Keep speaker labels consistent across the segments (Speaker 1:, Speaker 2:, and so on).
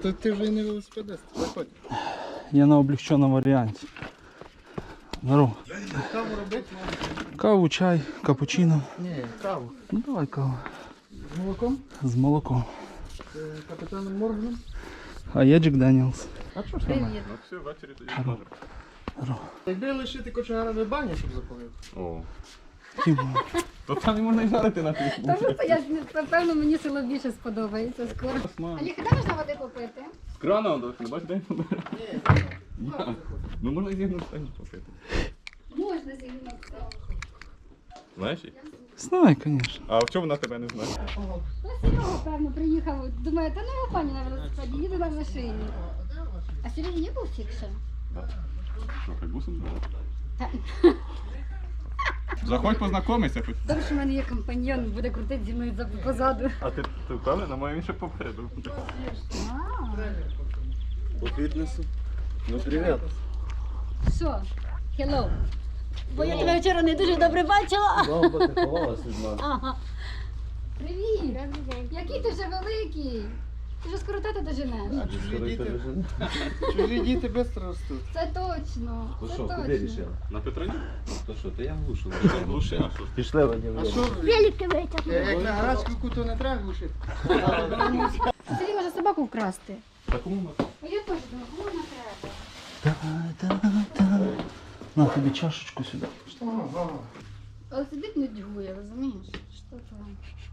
Speaker 1: то ти вже і не велосипедист, заходь.
Speaker 2: Я на облегченому варіанті. Здорово.
Speaker 1: Каву робити?
Speaker 2: Каву, чай, капучино.
Speaker 1: Ні, каву.
Speaker 2: Ну давай каву.
Speaker 1: З молоком?
Speaker 2: З молоком.
Speaker 1: З капітаном Морганом?
Speaker 2: А я Джек Даніелс.
Speaker 1: А що ж там?
Speaker 3: Ну все, ввечері тоді зможемо.
Speaker 2: Здорово.
Speaker 1: Якби лишити кочегара в бані, щоб запалив.
Speaker 3: О.
Speaker 2: Тімо.
Speaker 3: То там не можна і жарити на тих.
Speaker 4: Тому що я напевно мені село більше сподобається скоро. Олег, де можна води попити?
Speaker 3: З крана он не бачиш, де він бере? Я. Ну можна і зігнути стані попити.
Speaker 4: Можна зігнути.
Speaker 3: Знаєш її?
Speaker 2: Знаю, звісно.
Speaker 3: А в чому вона тебе не знає?
Speaker 4: Ну, Серега, певно, приїхав. Думаю, та ну пані на велосипеді, їду на машині. А сьогодні є був фікшн?
Speaker 3: Що, хай бусом?
Speaker 4: Та-
Speaker 3: Заходь познайомися хоч.
Speaker 4: Добре, що в мене є компаньйон, буде крутити зі мною позаду.
Speaker 3: А ти впевнена? Моє він ще попереду.
Speaker 1: По фітнесу. Ну привіт.
Speaker 4: Що? Hello. Бо я тебе вчора не дуже добре бачила.
Speaker 1: Знову бо ти ховалась від мене.
Speaker 4: Ага. Привіт. Який ти вже великий. Ти вже скоро тата доженеш.
Speaker 1: Чужі діти швидко ростуть.
Speaker 4: Це точно.
Speaker 5: Ну
Speaker 4: Це
Speaker 5: що, куди
Speaker 4: точно.
Speaker 5: рішила?
Speaker 3: На Петроні?
Speaker 5: То що, то я глушу.
Speaker 3: Глуши, а що?
Speaker 5: Пішли,
Speaker 1: А що?
Speaker 4: Велике витягнув.
Speaker 1: Як на гарячку то не треба глушити.
Speaker 4: Сергій може собаку вкрасти.
Speaker 3: Та кому ми?
Speaker 4: А я теж думаю, кому вона треба?
Speaker 2: На тобі чашечку сюди.
Speaker 1: Ага.
Speaker 4: Але сидить нудьгує, розумієш? Що там?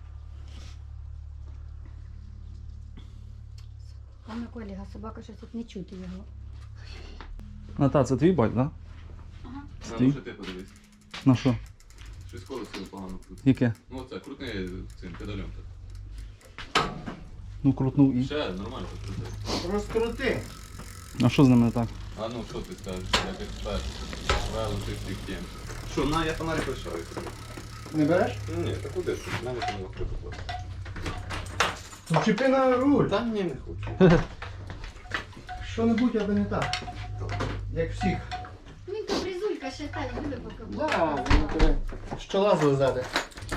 Speaker 4: Пане Коліга, собака щось тут не чути його.
Speaker 2: Ната, це твій байк, так?
Speaker 3: Та
Speaker 2: Стій.
Speaker 3: ну що ти подивись.
Speaker 2: На що?
Speaker 3: Щось колесо погано крутить.
Speaker 2: Яке?
Speaker 3: Ну оце, крутни цим педалем.
Speaker 2: Ну крутнув і.
Speaker 3: Ще нормально так крутить.
Speaker 1: Розкрути.
Speaker 2: А що з ними не так?
Speaker 3: А ну що ти скажеш, як експерт? Правило чистих тем. Що, на, я фонарик лишаю.
Speaker 1: Не береш?
Speaker 3: Ні, та куди ж? В мене там легко покласти.
Speaker 1: Вчепи на руль.
Speaker 3: Та ні, не хочу.
Speaker 1: Що-небудь, аби не так. Як всіх.
Speaker 4: Він капризулька ще та любить поки.
Speaker 1: Да, він тебе щола злизати.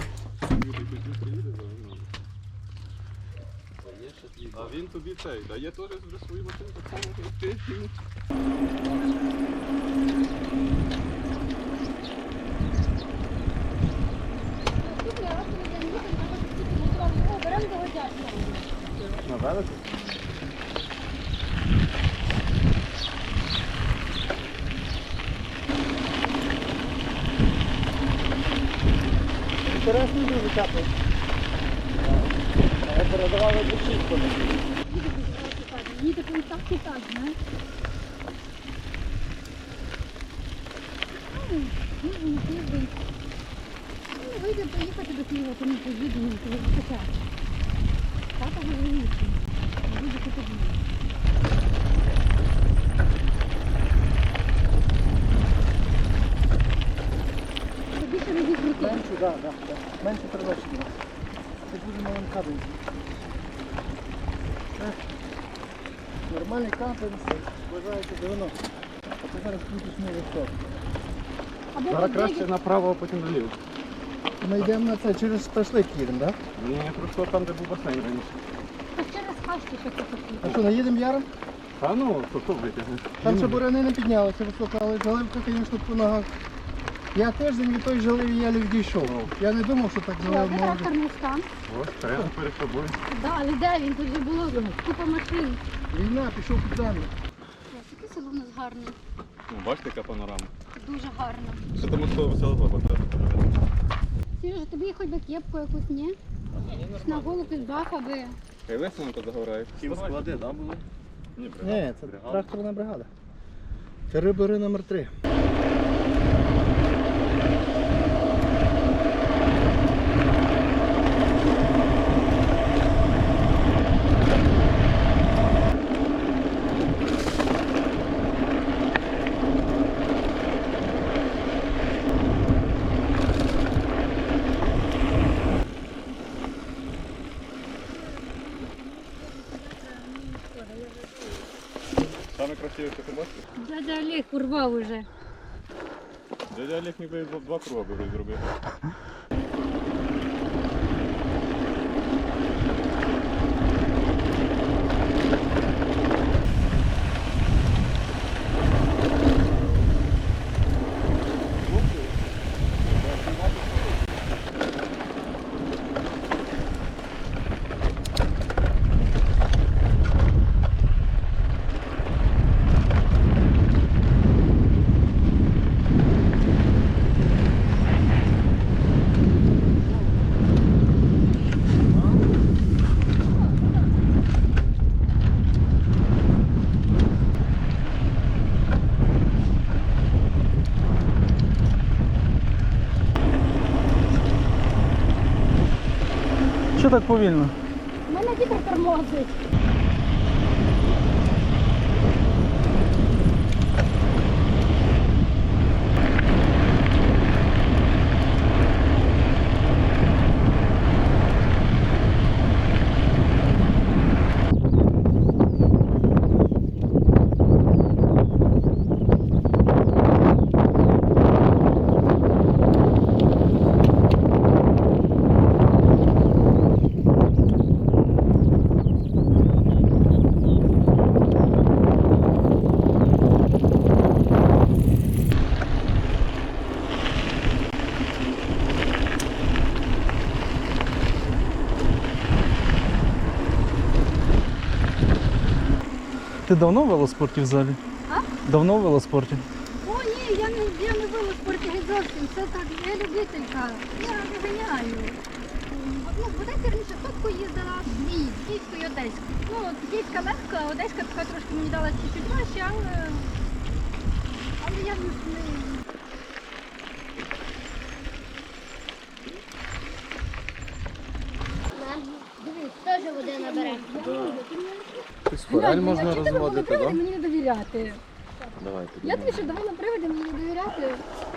Speaker 3: А він тобі цей, дає теж вже свою машину так само, як ти.
Speaker 4: Беремо до водяшки.
Speaker 3: На велику?
Speaker 1: Інтересно дуже капає. Передавали бучинку.
Speaker 4: Їде прям так і так, знаєш. Ну, тиждень. Ну, вийде поїхати до Києва, то не поїдемо, коли захоча. Тата говорить, буде тоді. Тобі ще не відкрути.
Speaker 1: Менше, так, так. Менше передачі. Це дуже маленький. Нормальний кампинг, вважається 90. А ти зараз крутиш новий стоп.
Speaker 4: Або
Speaker 3: Зараз
Speaker 4: тоді-
Speaker 3: краще направо, а потім наліво.
Speaker 1: Ми йдемо на це через Ташлик їдемо, так?
Speaker 3: Ні, просто там, де був басейн раніше.
Speaker 4: Та через хащі, що це таке.
Speaker 1: А що, наїдемо яром?
Speaker 3: А ну, то витягнеш.
Speaker 1: Там ще буряни не піднялися високо, але заливка, звісно, по ногах. Я тиждень від той жалив і я дійшов. Я не думав, що так
Speaker 4: Де
Speaker 1: залив може.
Speaker 4: тракторний стан?
Speaker 3: Ось, прямо перед тобою.
Speaker 4: Да, але де він? Тут же було купа машин.
Speaker 1: Війна, пішов під землю.
Speaker 4: Яке село в нас гарне.
Speaker 3: Ну, бачите, яка панорама.
Speaker 4: Дуже гарно.
Speaker 3: Що тому що весела баба треба.
Speaker 4: Сережа, тобі хоч би кепку якусь, ні? На голову бах, аби.
Speaker 3: Хай веселенько загорає.
Speaker 5: Склади, так, були?
Speaker 3: Ні,
Speaker 1: Ні, це тракторна бригада. Це рибари номер 3.
Speaker 3: Саме красиве, що ти бачиш?
Speaker 4: Дядя Олег урвав уже.
Speaker 3: Дядя Олег ніби два круга би вже зробив.
Speaker 2: що так повільно?
Speaker 4: У мене вітер тормозить.
Speaker 2: Ти давно в велоспорті взагалі?
Speaker 4: А?
Speaker 2: Давно в велоспорті?
Speaker 4: О, ні, я не була в спорті геть зовсім. Це так, я любителька. Я не ганяю. Ну, в Одесі раніше сотку їздила, дві, Київську і Одеську. Ну, от Київська легка, а Одеська така трошки мені дала чуть-чуть важче, але я не...
Speaker 6: Дивись, теж води набере.
Speaker 5: Спираль можна розводити, так?
Speaker 4: Мені не довіряти.
Speaker 5: Давайте.
Speaker 4: Я тобі ще давала приводи, мені не довіряти.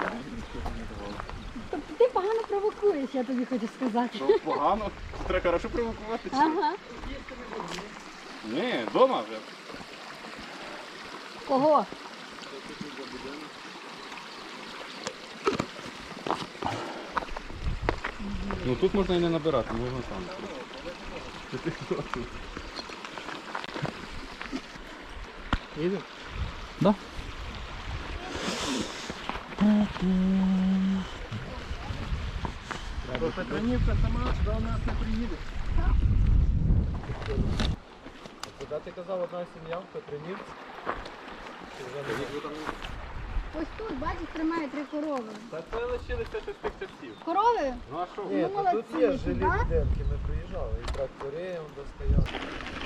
Speaker 4: Тобто ти погано провокуєш, я тобі хочу сказати.
Speaker 3: Погано. Треба хорошо провокувати.
Speaker 4: Ага.
Speaker 3: Ні, вдома вже.
Speaker 4: Кого?
Speaker 3: Ну тут можна і не набирати, можна там.
Speaker 1: Їдемо?
Speaker 2: Да.
Speaker 1: Бо Петронівка сама до нас не приїде.
Speaker 5: Куди ти казав, одна сім'я в Петринівці?
Speaker 4: Ось тут, бачиш, тримає 3 корови.
Speaker 3: Та це лишилися щось тих часів.
Speaker 4: Корови?
Speaker 3: Ну а що?
Speaker 5: Ні,
Speaker 4: Ну,
Speaker 5: то тут є
Speaker 4: молодці,
Speaker 5: жилі
Speaker 4: да?
Speaker 5: будинки, ми приїжджали, і трактори он достояли.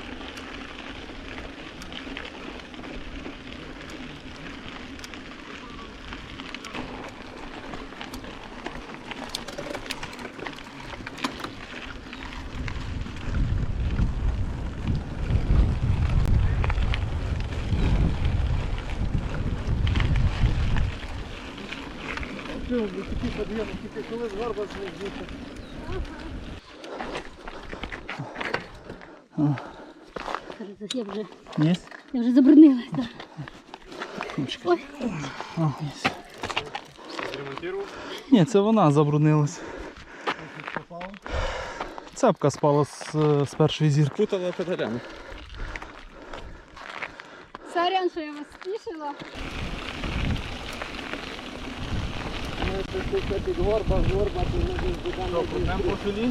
Speaker 1: Такі підйоми, тільки коли з горба звідси.
Speaker 4: Зараз я
Speaker 2: Є?
Speaker 4: вже забруднилась. Да. Ой.
Speaker 2: О, є.
Speaker 3: Зремонтував?
Speaker 2: Ні, це вона забруднилась. Цепка спала з першої зірки.
Speaker 3: Путала педалями.
Speaker 4: Сорян, що я вас спішила.
Speaker 1: Це під горба, то ми десь будемо.
Speaker 3: Прям по селі?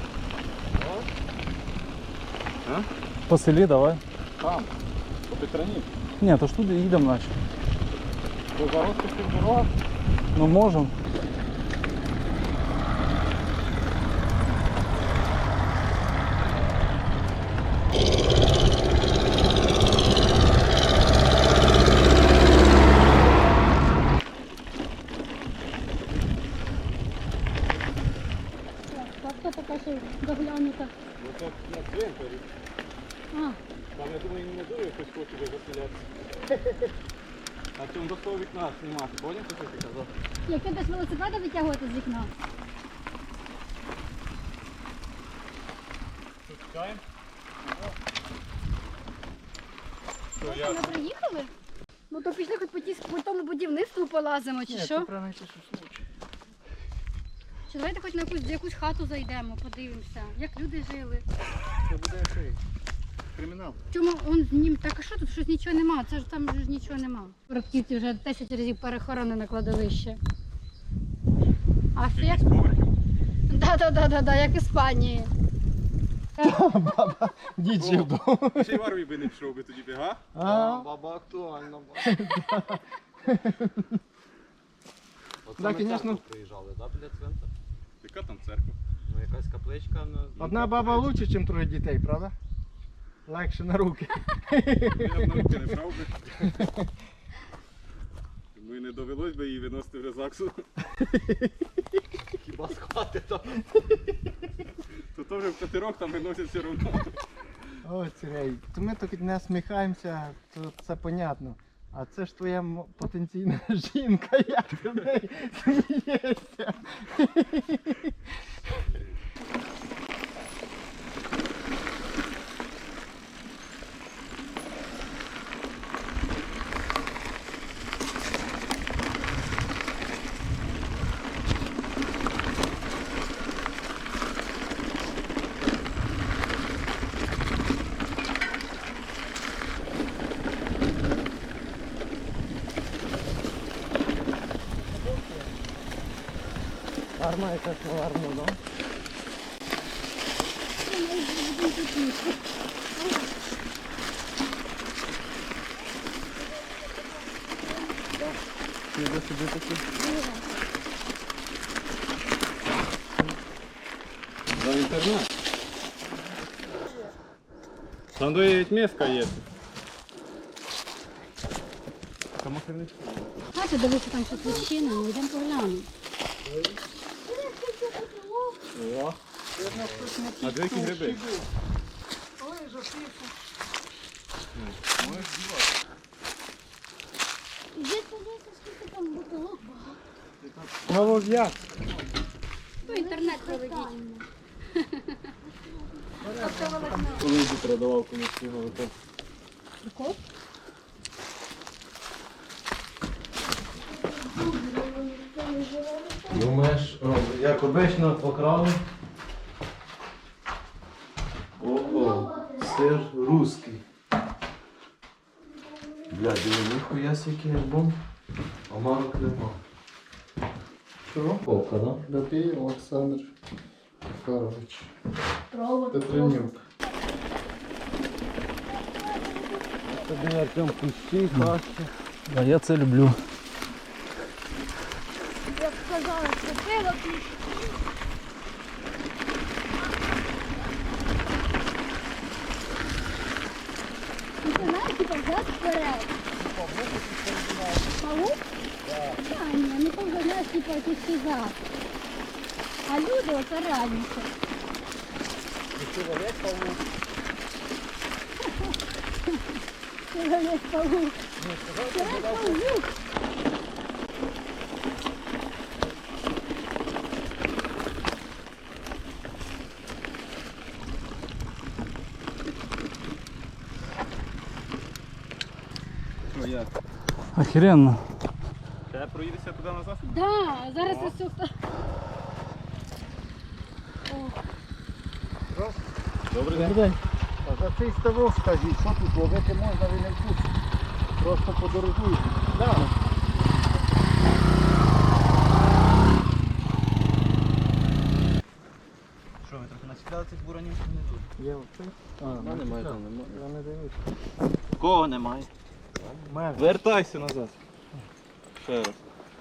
Speaker 2: По селі давай.
Speaker 3: Там. По Петрані.
Speaker 2: Ні, то ж туди їдемо наче.
Speaker 3: По зарости дорога.
Speaker 2: Ну можемо.
Speaker 4: Хто така, що доглянута?
Speaker 3: Ну так на цвинтарі.
Speaker 4: А,
Speaker 3: Там, я думаю, не дуже хтось хоче де заселятися. А цьому до свого вікна знімати. Поняв, що ти казав?
Speaker 4: як ти десь велосипеда витягувати з вікна?
Speaker 3: Чекаємо.
Speaker 4: Ось ми приїхали? Ну то пішли хоч по тому будівництву полазимо, чи що?
Speaker 1: Треба знайти, що случай.
Speaker 4: Чи давайте хоч на якусь хату зайдемо, подивимося, як люди жили.
Speaker 1: Це буде цей кримінал.
Speaker 4: Чому он з ним так, а що тут щось нічого нема? Це ж там ж нічого нема. Рабківці вже 10 разів перехоронене кладовище. А ще як? Да, як Іспанії.
Speaker 1: Дід жив до.
Speaker 3: Ще й в армії би не пішов би тоді, га?
Speaker 1: А,
Speaker 5: Баба актуальна.
Speaker 1: Да, конечно.
Speaker 5: Приїжджали, да, біля цвинта?
Speaker 3: Яка там церква?
Speaker 5: Ну якась капличка на...
Speaker 1: одна баба лучше, ніж 3 дітей, правда? Легше на руки.
Speaker 3: Я б на руки не брав би. Тому і не довелось би її виносити в резаксу.
Speaker 5: Хіба з хати там?
Speaker 3: То теж в катерок там виносять все одно.
Speaker 1: О, Сергій, то ми тут не сміхаємося, то це понятно. А це ж твоя потенційна жінка, як ти в неї смієшся. Гарна якась гарна, да? Піде собі такі.
Speaker 3: За інтернет. Там навіть миска є. Там охерничка.
Speaker 4: Бачите, дивіться, там щось відчинено, йдемо поглянемо.
Speaker 3: О, а де які гриби?
Speaker 6: Іди подивися, скільки там бутилок багато.
Speaker 1: Голов'як.
Speaker 4: Ну, інтернет проведіть.
Speaker 5: Коли йду передавав комусь сніговика. Думаєш, як обично покрали? Ого, сир русський. Бля, диви, ніхуя який альбом. Омарок нема.
Speaker 1: Що?
Speaker 5: Ока, да?
Speaker 1: Бабій Олександр Захарович.
Speaker 6: Провод.
Speaker 1: Петренюк.
Speaker 5: Тобі Артем кущі, хащі.
Speaker 2: А я це люблю.
Speaker 6: Як сказала, купила піч. Ну, ти знаєш, типа, взяти вперед. Павук? А, ні, ну то вже, знаєш, типа, якийсь фізак. А люди оце раніше. Чоловік павук. Чоловік павук.
Speaker 3: Що як?
Speaker 2: Охеренно.
Speaker 3: Ще проїдешся туди назад?
Speaker 4: Да, зараз я все.
Speaker 3: Добрий
Speaker 1: Добрий день. А за цей ставок скажіть, що тут ловити можна, ви не в курсі. Просто подорожуєте. Да.
Speaker 5: Що, ви трохи насідали цих буранів чи не тут?
Speaker 1: Є оце? А,
Speaker 5: немає, там немає.
Speaker 1: Я не дивлюсь.
Speaker 5: Кого немає?
Speaker 1: Мене.
Speaker 3: Вертайся назад. Ще раз.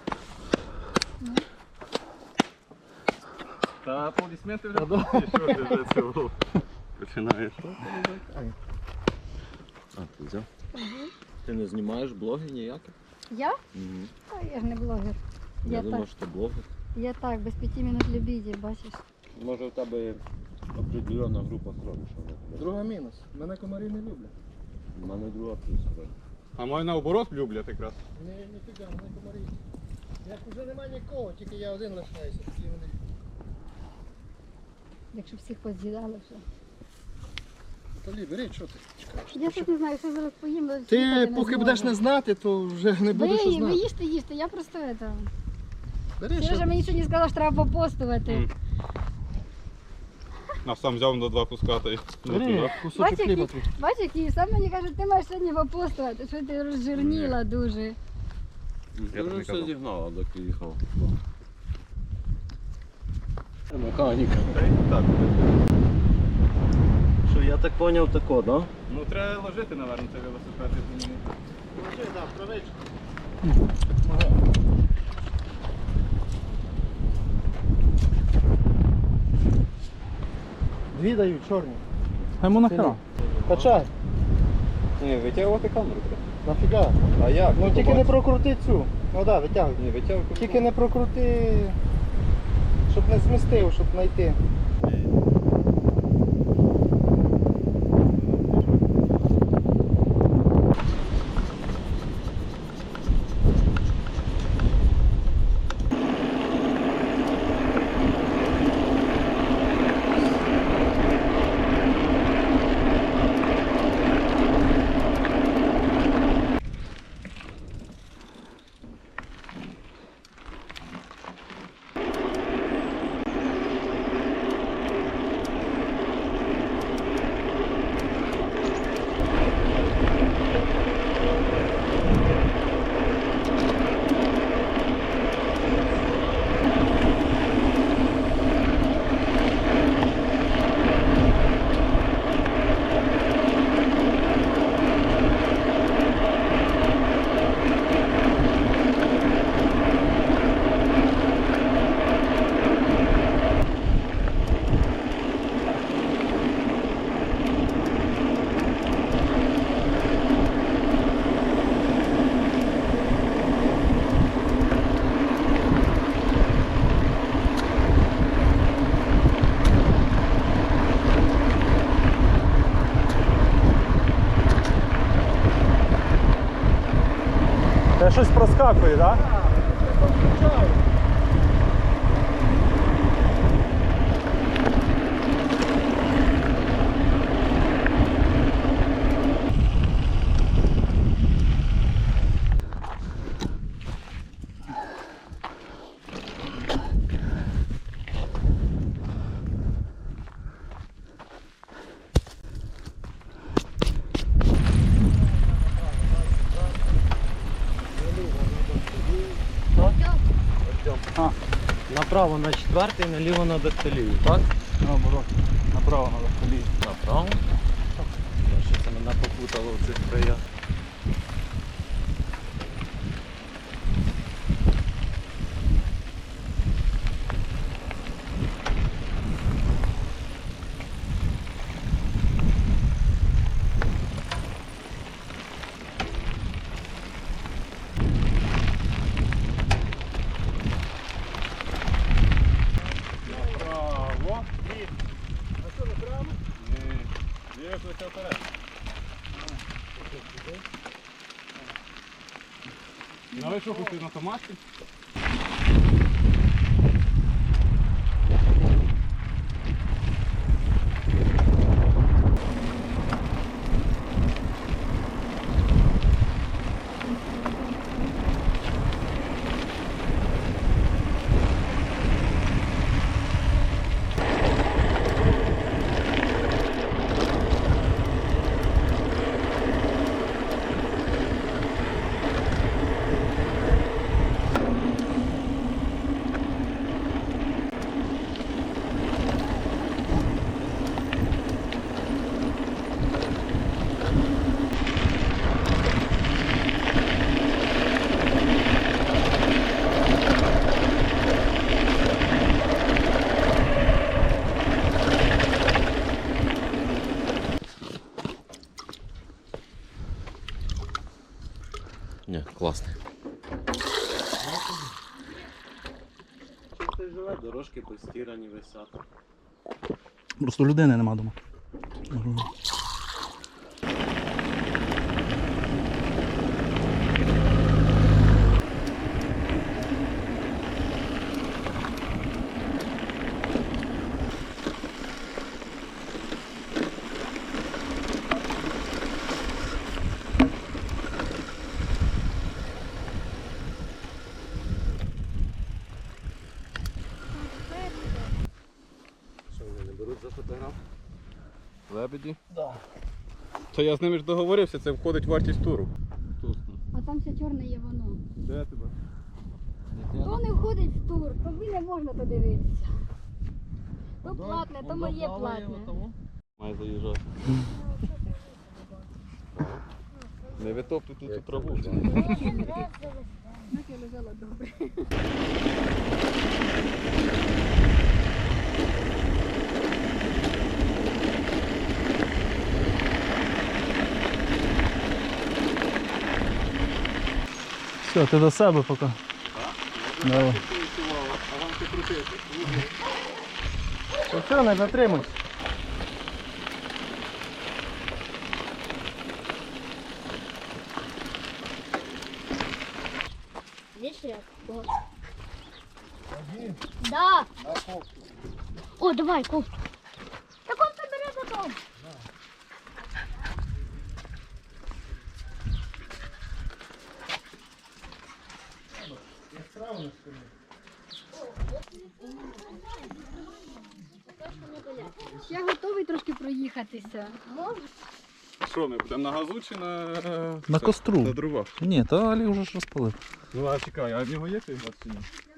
Speaker 3: Та аплодисменти вже були. Що ти вже цього починаєш?
Speaker 5: А, ти взяв? Ти не знімаєш блоги ніякі?
Speaker 4: Я? Та я ж не блогер.
Speaker 5: Я
Speaker 4: Я
Speaker 5: думав,
Speaker 4: так.
Speaker 5: що ти блогер.
Speaker 4: Я так, без 5 минут любитель, бачиш.
Speaker 5: Може в тебе определена група крові, що не
Speaker 1: Друга мінус. Мене комарі не люблять.
Speaker 5: У мене друга плюс крові.
Speaker 3: А мої наоборот люблять якраз.
Speaker 1: Ніфіга, мене комарі. Як вже немає нікого, тільки я один лишаюся. Такі вони.
Speaker 4: Якщо всіх поз'їдали вже.
Speaker 1: Тоді, бери, що ти чекаєш?
Speaker 4: Я щось не знаю, що зараз поїм.
Speaker 1: Ти поки будеш не знати, то вже не будеш
Speaker 4: Ви
Speaker 1: знати.
Speaker 4: їжте, я просто это.
Speaker 1: Бери,
Speaker 4: Сережа
Speaker 1: що
Speaker 4: мені сьогодні сказав, що треба попостувати.
Speaker 3: А сам взяв на 2 куска та й
Speaker 1: бери, кусочок
Speaker 4: Бачиш,
Speaker 1: хліба
Speaker 4: який,
Speaker 1: твій.
Speaker 4: бачиш, який сам мені каже, ти маєш сьогодні попостувати, що ти розжирніла дуже.
Speaker 3: Я
Speaker 5: Я
Speaker 3: так
Speaker 5: вже
Speaker 3: не
Speaker 5: все
Speaker 3: казав.
Speaker 5: зігнав, доки їхав. Механіка.
Speaker 3: Та й так.
Speaker 5: Що, я так зрозумів тако, да?
Speaker 3: Ну треба ложити, напевно, цей велосипед.
Speaker 1: Положи, так, правичку. Дві дають, чорні.
Speaker 2: А йому нахера?
Speaker 1: Качай.
Speaker 3: Ні, витягувати камеру треба.
Speaker 1: Нафіга?
Speaker 3: А як?
Speaker 1: Ну тільки не прокрути цю. Ну так, витягуй.
Speaker 3: Не витягувати.
Speaker 1: Тільки не прокрути, щоб не змістив, щоб знайти.
Speaker 3: щось проскакує, так?
Speaker 5: Направо на 4-й, наліво на Дактилію, так?
Speaker 3: Наоборот. Направо треба колії.
Speaker 5: Направо? Що це мене попутало в цих краях?
Speaker 3: Право. А що, не прямо? Ні. Є плече вперед. На вишуху ти на томаті.
Speaker 5: Ні, класний. Чисто живе, дорожки постірані висять.
Speaker 2: Просто людини нема дома.
Speaker 5: Що вони не беруть за фотограф?
Speaker 3: Лебеді? Да. То я з ними ж договорився, це входить в вартість туру.
Speaker 6: А там все чорне є воно.
Speaker 3: Де тебе?
Speaker 6: То не входить в тур, тобі не можна подивитися. То платне, то моє платне.
Speaker 3: Має заїжджати. Не витоптуй тут цю траву.
Speaker 6: Так я лежала добре.
Speaker 2: Все, ти до себе поки. Давай.
Speaker 1: Все, не затримуй.
Speaker 6: Видишь, як? Да. О, давай, кофту. Так он собере потом. Я готовий трошки проїхатися.
Speaker 3: Що, ми будемо на газу чи на...
Speaker 2: На костру.
Speaker 3: На дровах?
Speaker 2: Ні, то Алі вже ж розпалив.
Speaker 3: Ну а чекай, а в нього є цей газ чи ні?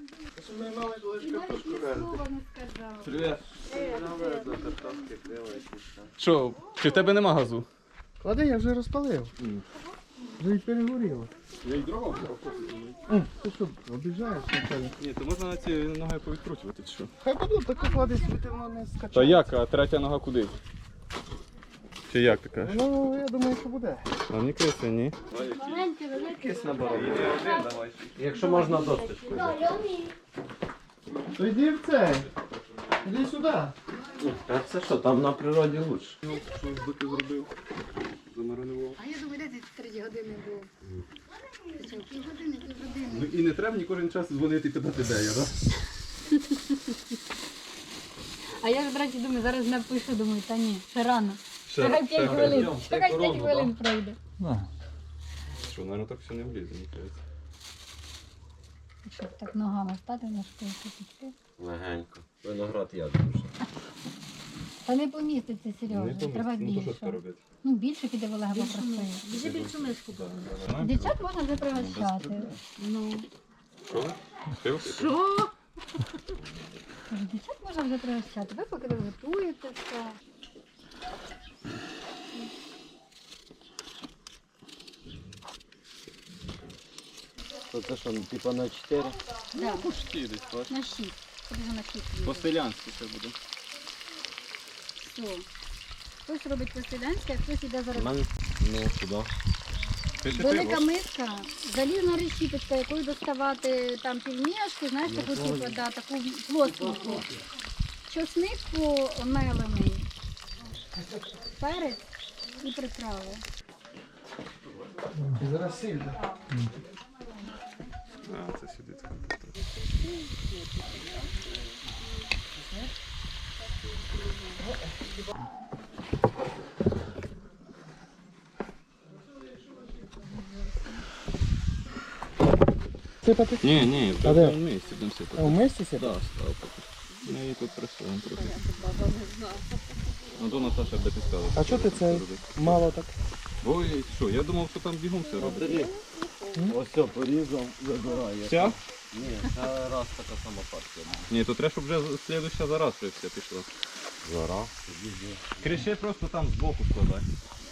Speaker 6: Слова не сказав.
Speaker 3: Привіт.
Speaker 5: До картошки крила якісь там.
Speaker 3: Що, чи в тебе нема газу?
Speaker 1: Клади, я вже розпалив. Вже й перегоріло.
Speaker 3: Я й дрова взяв.
Speaker 1: Ти що, обіжаєш?
Speaker 3: Ні, то можна на ці ноги повідкручувати, чи що?
Speaker 1: Хай будуть, так клади, світи воно не скачає.
Speaker 3: Та як, а третя нога куди? Чи як ти кажеш?
Speaker 1: Ну, я думаю, що буде.
Speaker 3: А мені криси, ні.
Speaker 6: Маленьке, велике.
Speaker 5: Якийсь наборок. Якщо можна досточку.
Speaker 1: То йди в цей. Іди сюди.
Speaker 5: Та це що, там на природі лучше.
Speaker 3: Що збити зробив? Замаринував.
Speaker 4: А я думаю, де ти 3 години був? Півгодини.
Speaker 3: Ну і не треба ні кожен час дзвонити і питати, де я, так?
Speaker 6: А я ж, до речі, думаю, зараз напишу, думаю, та ні, ще рано.
Speaker 3: Ще-
Speaker 6: Чекай 5
Speaker 3: ще
Speaker 6: хвилин.
Speaker 5: пройдемо,
Speaker 6: Чекай
Speaker 5: ще
Speaker 6: 5
Speaker 5: корону,
Speaker 6: хвилин пройде.
Speaker 2: Да.
Speaker 3: Що, мабуть, так все не влізе, мені кажеться.
Speaker 6: Що, так ногами стати на школку піти?
Speaker 5: Легенько. Виноград я дуже.
Speaker 6: Та не поміститься,
Speaker 3: Не
Speaker 6: Сережа, треба
Speaker 3: поміститься. Ну то що
Speaker 6: більше.
Speaker 3: тепер робити?
Speaker 6: Ну, більше піде в Олега попросити.
Speaker 4: Вже більшу миску було.
Speaker 6: Дівчат можна вже пригощати.
Speaker 4: Ну.
Speaker 3: Що? Пиво?
Speaker 4: Що?
Speaker 6: Кажу, дівчат можна вже пригощати. Ви поки ви готуєте все.
Speaker 5: То це що, типа на 4?
Speaker 6: Да,
Speaker 3: Почти десь, бачиш.
Speaker 6: на 6. Тобі вже на 6 їде.
Speaker 3: По-селянськи це буде.
Speaker 6: Все. Хтось робить по-селянськи, а хтось іде зараз.
Speaker 5: Ну, сюди.
Speaker 3: Пиши
Speaker 6: Велика
Speaker 3: пиво.
Speaker 6: миска, залізна решіточка, якою доставати там півмішку, знаєш, таку типу, да, таку плоскеньку. Чосник помелений, перець і приправи.
Speaker 1: І зараз сильно.
Speaker 3: А, це сюди.
Speaker 1: Сипати?
Speaker 3: Ні,
Speaker 1: А де?
Speaker 3: в місці будемо сипати.
Speaker 1: А в мисці сипати?
Speaker 3: Так, став поки. Ми її тут присуємо трохи. Ну, то Наташа буде підказувати.
Speaker 1: А чого ти це мало так?
Speaker 3: Ой, що, я думав, що там бігом все робить.
Speaker 5: Ось все, порізав, забирає.
Speaker 3: Вся?
Speaker 5: Ні, це раз така сама партія.
Speaker 3: Ні, то треба, щоб вже слідуща за раз вже все пішло.
Speaker 5: Зараз.
Speaker 3: Криши просто там збоку складай.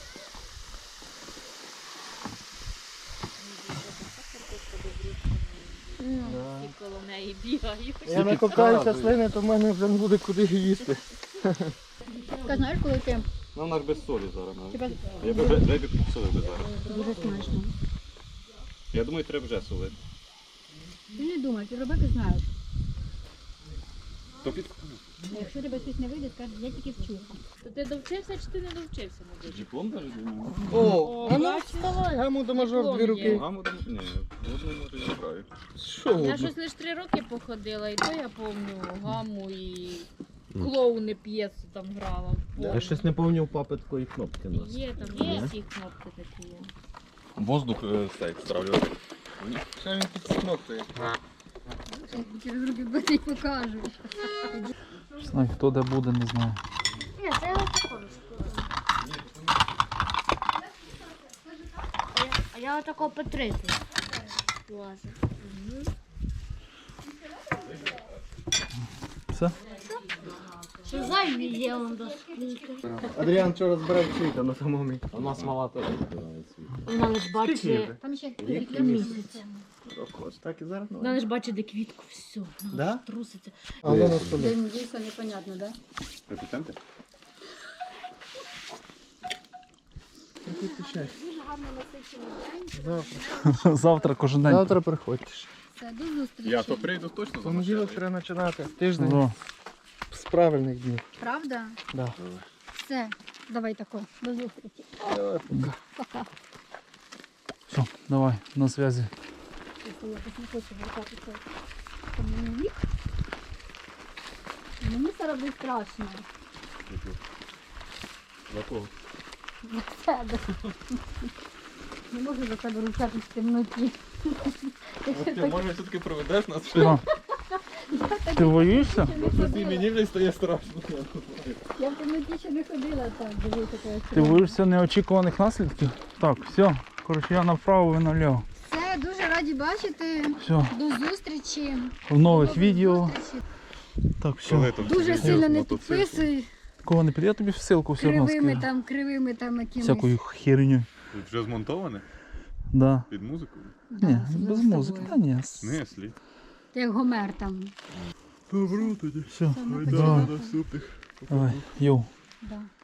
Speaker 6: Коло неї бігають.
Speaker 1: Я накопаюся слини, то в мене вже не буде куди їсти.
Speaker 6: Ти знаєш, коли ти
Speaker 3: Ну, вона ж без солі зараз. навіть.
Speaker 6: тебе
Speaker 3: Я б вже підсолив би зараз.
Speaker 6: дуже смачно.
Speaker 3: Я думаю, треба вже солити.
Speaker 6: Ти не думай, ти робити знаєш.
Speaker 3: То під...
Speaker 6: Якщо тебе щось не вийде, скажеш, я тільки вчуся.
Speaker 7: То ти довчився чи ти не довчився, мабуть?
Speaker 3: Диплом навіть думаю.
Speaker 1: О, а ну вставай, гаму до мажор дві руки.
Speaker 3: Гаму там... Ні, одну може я граю.
Speaker 1: Що
Speaker 7: Я
Speaker 1: одну?
Speaker 7: щось лише 3 роки походила, і то я пам'ятаю гаму і клоуни п'єсу там грала.
Speaker 5: Я щось не пам'ятаю у папи такої кнопки у нас.
Speaker 7: Є там, є всі кнопки такі.
Speaker 3: Воздух стейк стравлювати.
Speaker 1: Що він підсмоктує?
Speaker 6: Через руки буде і покажу.
Speaker 2: Не знаю, хто де буде, не знаю.
Speaker 4: Ні, це його такого. А я отако по 30 лазив.
Speaker 2: Все?
Speaker 4: Що зайві є он до скільки.
Speaker 1: Адріан вчора збирав цвіта на самому.
Speaker 5: У нас мала теж збирає світ.
Speaker 7: Вона лиш бачить,
Speaker 6: Там ще
Speaker 7: місяць.
Speaker 1: Так і зараз?
Speaker 7: Вона лиш бачить, де квітку, все,
Speaker 1: Да?
Speaker 7: вона труситься.
Speaker 1: А воно на столі.
Speaker 6: день дійсно непонятно, да?
Speaker 3: Репетенти?
Speaker 1: Завтра.
Speaker 2: Завтра кожен день.
Speaker 1: Завтра приходьте.
Speaker 6: Все, до зустрічі.
Speaker 3: Я то прийду точно за
Speaker 1: Понеділок треба починати. Тиждень
Speaker 2: О,
Speaker 1: з правильних днів.
Speaker 6: Правда?
Speaker 1: Да.
Speaker 6: Все, давай тако, до зустрічі.
Speaker 1: Давай, пока.
Speaker 6: Пока.
Speaker 2: все, давай, на зв'язі.
Speaker 6: Я якось не хочу вертатися. Мені вік. Мені це робить страшно.
Speaker 3: За кого?
Speaker 6: Від себе. Не можу за себе ручатись в темноті.
Speaker 3: Ти може все-таки проведеш нас?
Speaker 2: Що? Ти боїшся?
Speaker 3: Ти мені вже стає страшно.
Speaker 6: Я в темноті ще не ходила так, дивися, яка
Speaker 2: Ти боїшся неочікуваних наслідків? Так, все. Коротше, я направо, ви наліво.
Speaker 6: Все, дуже раді бачити.
Speaker 2: Все,
Speaker 6: До зустрічі.
Speaker 2: в нових
Speaker 6: До
Speaker 2: відео.
Speaker 6: зустрічі.
Speaker 2: Так, все.
Speaker 6: Дуже сильно не підписуй
Speaker 2: Кого не піде, я тобі ссылку все одно
Speaker 6: кривими
Speaker 2: скину.
Speaker 6: там якимись.
Speaker 2: Всякою херню.
Speaker 3: Тут вже змонтоване?
Speaker 2: Да.
Speaker 3: Під музику?
Speaker 6: Да,
Speaker 2: Ні,
Speaker 6: особливо
Speaker 2: без
Speaker 6: з
Speaker 2: музики.
Speaker 6: тобою.
Speaker 2: Та ні.
Speaker 3: Не, слід.
Speaker 6: Ти як Гомер там.
Speaker 2: Все,
Speaker 6: Все, ми ходимо.
Speaker 2: давай, йоу.
Speaker 6: Да.